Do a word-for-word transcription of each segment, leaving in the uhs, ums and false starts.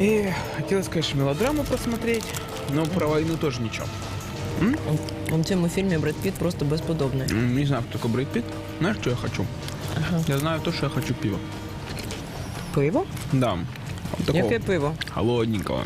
И хотелось, конечно, мелодраму посмотреть, но про войну тоже ничего. М? В цьому фільмі Бред Піт просто безподобний. М, Не знаю, кто такой Брэд Питт. Знаешь, что я хочу? Ага. Я знаю то, что я хочу пива. Пиво? Да. Вот такого Яке пиво? холодненького.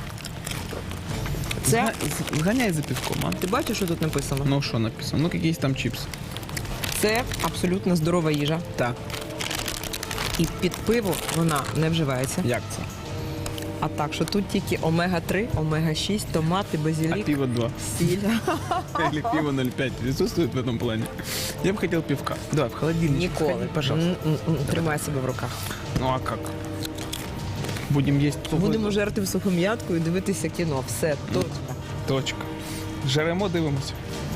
Це? Сга- Сгоняй за пивком, а? Ти бачиш, що тут написано? Ну, что написано? Ну, какие там чипсы? Це абсолютно здорова їжа. Так. І під пиво вона не вживається. Як це? А так, що тут тільки омега три, омега шість, томати, А базилік, пиво два. сіль. Или пиво ноль пять присутствует в этом плане? Я бы хотел пивка. Давай, в холодильник. Ніколи. Сходи, пожалуйста. М-м-м. Тримай себе в руках. Ну, а как? Будем есть сухой- Будемо жерти в сухом'ятку і дивитися кіно. Все, точно. Точка. Жаремо, дивимося.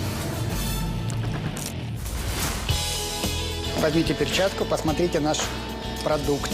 Возьмите перчатку, посмотрите наш продукт.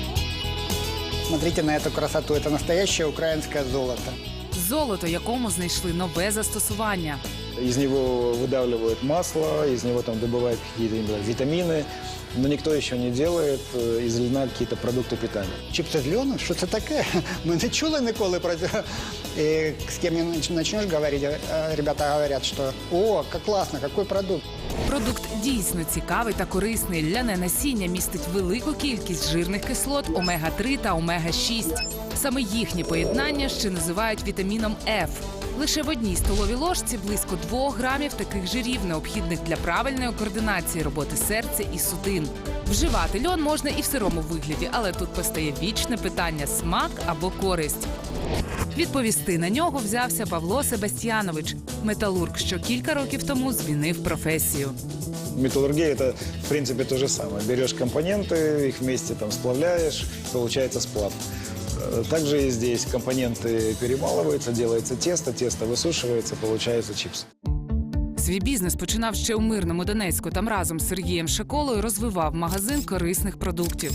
Смотрите на эту красоту. Это настоящее украинское золото. Золото, якому знайшли нове застосування. Из него выдавливают масло, из него там добывают какие-то именно витамины, но никто еще не делает э, из льна какие-то продукты питания. Чипсы з льону? Що це таке? Ми не чули ніколи про це. І з ким не почнеш говорити, э, ребята говорять, що «О, як класно, який продукт». Продукт дійсно цікавий та корисний. Ляне насіння містить велику кількість жирних кислот омега три та омега шість. Саме їхнє поєднання ще називають вітаміном Ф. Лише в одній столовій ложці близько двох грамів таких жирів, необхідних для правильної координації роботи серця і судин. Вживати льон можна і в сирому вигляді, але тут постає вічне питання – смак або користь. Відповісти на нього взявся Павло Себастьянович, металург, що кілька років тому змінив професію. Металлургия – это, в принципе, то же самое. Берешь компоненты, их вместе там сплавляешь, получается сплав. Э, Также и здесь компоненты перемалываются, делается тесто, тесто высушивается, получаются чипсы. Свій бізнес починав ще у мирному Донецьку. Там разом з Сергієм Шаколою розвивав магазин корисних продуктів.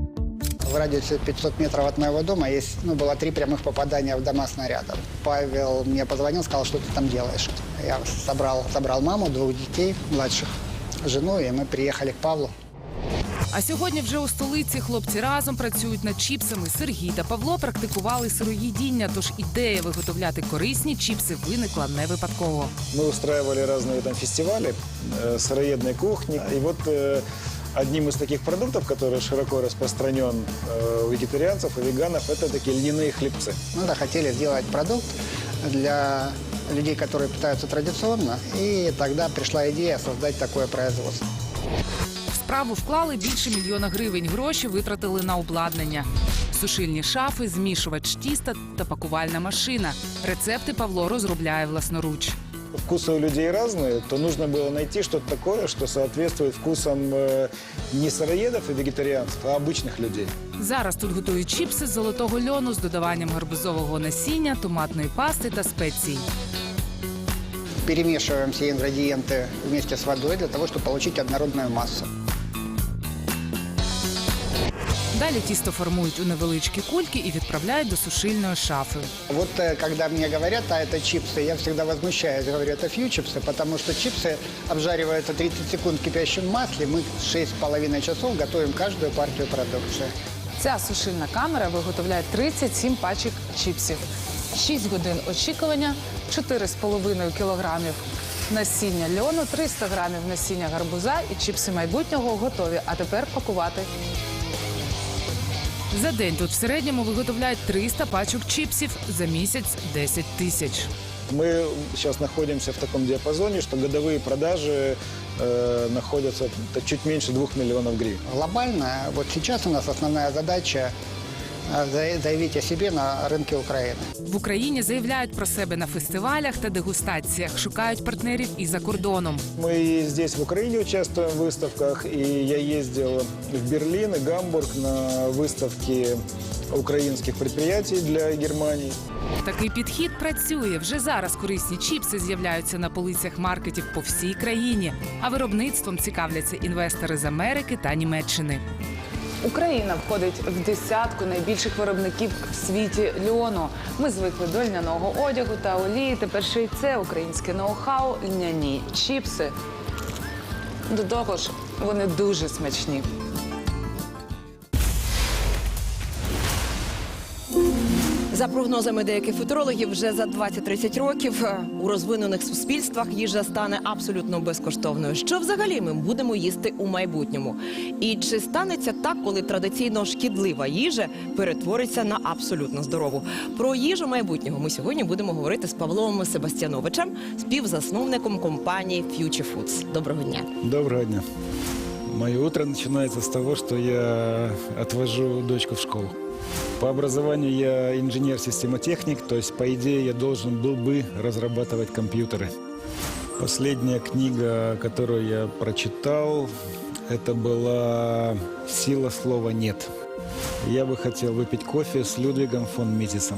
В радиусе пятьсот метров от моего дома есть, ну, было три прямых попадания в дома снарядов. Павел мне позвонил, сказал, что ты там делаешь. Я собрал, собрал маму, двух детей младших, жену, и мы приехали к Павлу. А сьогодні вже у столиці хлопці разом працюють над чіпсами. Сергій та Павло практикували сироїдіння, тож ідея виготовляти корисні чіпси виникла не випадково. Мы устраивали разные там фестивали э, сыроедной кухни. И вот э, одним из таких продуктов, который широко распространен э, у вегетарианцев и веганов, это такие льняные хлебцы. Мы да, хотели сделать продукт для людей, которые питаются традиционно, и тогда пришла идея создать такое производство. В справу вклали більше мільйона гривень. Гроші витратили на обладнання. Сушильні шафи, змішувач тіста та пакувальна машина. Рецепти Павло розробляє власноруч. Вкусы у людей разные, то нужно было найти что-то такое, что соответствует вкусам э, не сыроедов и вегетарианцев, а обычных людей. Зараз тут готують чіпси з золотого льону з додаванням гарбузового насіння, томатної пасти та спецій. Перемешиваем все ингредиенты вместе с водой для того, чтобы получить однородную массу. Далі тісто формують у невеличкі кульки і відправляють до сушильної шафи. Вот э, когда мне говорят, а это чипсы, я всегда возмущаюсь, говорю, это фью-чипсы, потому что чипсы обжариваются тридцать секунд в кипящем масле, мы шесть с половиной часов готовим каждую партию продукции. Ця сушильна камера виготовляє тридцять сім пачок чіпсів. шість годин очікування, чотири з половиною кілограмів насіння льону, триста грамів насіння гарбуза і чіпси майбутнього готові. А тепер пакувати. За день тут в середньому виготовляють триста пачок чіпсів, за місяць – десять тисяч. Мы сейчас находимся в таком диапазоне, что годовые продажи э, находятся т- чуть меньше двух миллионов гривен. Глобально, вот сейчас у нас основная задача э, за- заявить о себе на рынке Украины. В Україні заявляють про себе на фестивалях та дегустаціях, шукають партнерів і за кордоном. Мы и здесь в Украине участвуем в выставках, и я ездил в Берлин и Гамбург на выставки украинских предприятий для Германии. Такий підхід працює. Вже зараз корисні чіпси з'являються на полицях маркетів по всій країні, а виробництвом цікавляться інвестори з Америки та Німеччини. Україна входить в десятку найбільших виробників в світі льону. Ми звикли до льняного одягу та олії. Тепер ще й це українське ноу-хау – льняні чіпси. До того ж, вони дуже смачні. За прогнозами деяких футурологів, вже за двадцять-тридцять років е, у розвинених суспільствах їжа стане абсолютно безкоштовною. Що взагалі ми будемо їсти у майбутньому? І чи станеться так, коли традиційно шкідлива їжа перетвориться на абсолютно здорову? Про їжу майбутнього ми сьогодні будемо говорити з Павлом Себастьяновичем, співзасновником компанії Future Foods. Доброго дня. Доброго дня. Мое утро начинается с того, что я отвожу дочку в школу. По образованию я инженер-системотехник, то есть, по идее, я должен был бы разрабатывать компьютеры. Последняя книга, которую я прочитал, это была «Сила слова нет». Я бы хотел выпить кофе с Людвигом фон Митисом.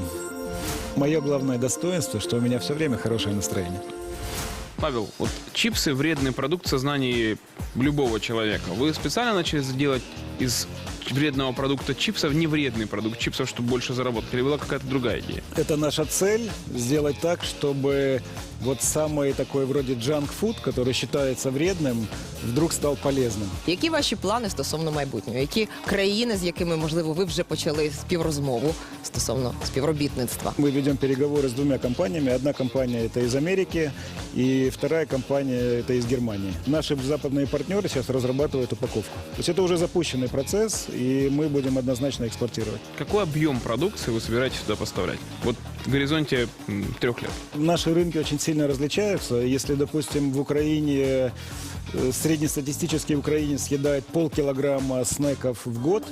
Мое главное достоинство, что у меня все время хорошее настроение. Павел, вот чипсы – вредный продукт в сознании любого человека. Вы специально начали делать из вредного продукта чипсов невредный продукт чипсов, чтобы больше заработать? Или была какая-то другая идея? Это наша цель – сделать так, чтобы вот самый такой вроде джанк-фуд, который считается вредным, вдруг стал полезным. Які ваші плани стосовно майбутнього? Які країни, з якими, можливо, ви вже почали співрозмову стосовно співробітництва? Мы ведем переговоры с двумя компаниями. Одна компания – это из Америки, и вторая компания – это из Германии. Наши западные партнеры сейчас разрабатывают упаковку. То есть это уже запущенный процесс, и мы будем однозначно экспортировать. Какой объем продукции вы собираетесь сюда поставлять? Вот в горизонте м, трех лет. Наши рынки очень сильно различаются. Если, допустим, в Украине э, среднестатистический украинец съедает полкилограмма снеков в год,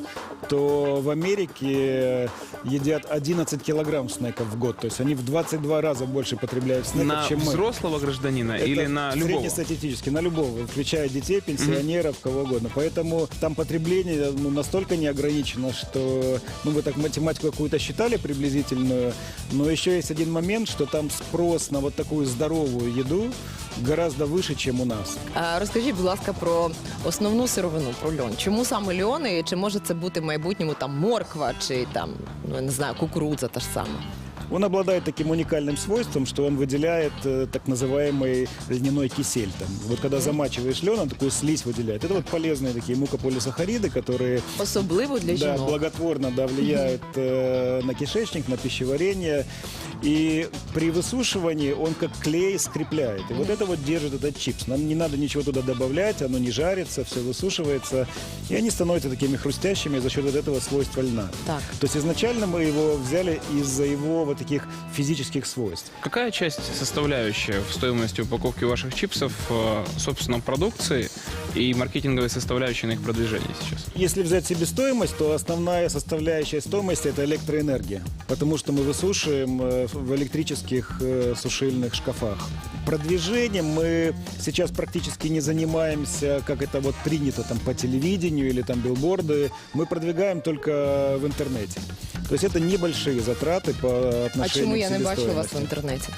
то в Америке едят одиннадцать килограмм снеков в год. То есть они в двадцать два раза больше потребляют снеков, На чем мы. взрослого гражданина Это или на любого? среднестатистически, на любого, включая детей, пенсионеров, кого угодно. Поэтому там потребление ну, настолько не ограничено, что ну, вы так математику какую-то считали приблизительную, но еще есть один момент, что там спрос на вот такую здоровую еду гораздо выше, чем у нас. А, розкажіть, будь ласка, про основну сировину, про льон. Чому саме льон і чи може це бути в майбутньому там морква чи там, ну, я не знаю, кукурудза та ж сама? Он обладает таким уникальным свойством, что он выделяет э, так называемый льняной кисель. Там. Вот когда замачиваешь лен, он такую слизь выделяет. Это вот полезные такие мукополисахариды, которые Особливо для да, жінок. благотворно да, влияют э, на кишечник, на пищеварение. И при высушивании он как клей скрепляет. И вот это вот держит этот чипс. Нам не надо ничего туда добавлять, оно не жарится, все высушивается. И они становятся такими хрустящими за счет вот этого свойства льна. Так. То есть изначально мы его взяли из-за его вот таких физических свойств. Какая часть составляющая в стоимости упаковки ваших чипсов, э, собственно, продукции и маркетинговой составляющей на их продвижении сейчас? Если взять себестоимость, то основная составляющая стоимости – это электроэнергия. Потому что мы высушиваем э, в электрических э, сушильных шкафах. Продвижением мы сейчас практически не занимаемся, как это вот принято там по телевидению или там билборды. Мы продвигаем только в интернете. То есть это небольшие затраты по А отношению чому к я не бачу вас в себестоимости. інтернеті?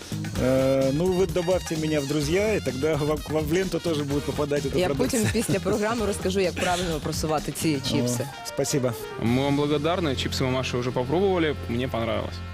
Э, ну, вы добавьте меня в друзья, и тогда вам, к вам в ленту тоже будет попадать эта Я продукция. потім після програми розкажу, як правильно просувати ці чіпси. О, спасибо. Мы вам благодарны. Чипсы мамаши уже попробовали. Мне понравилось.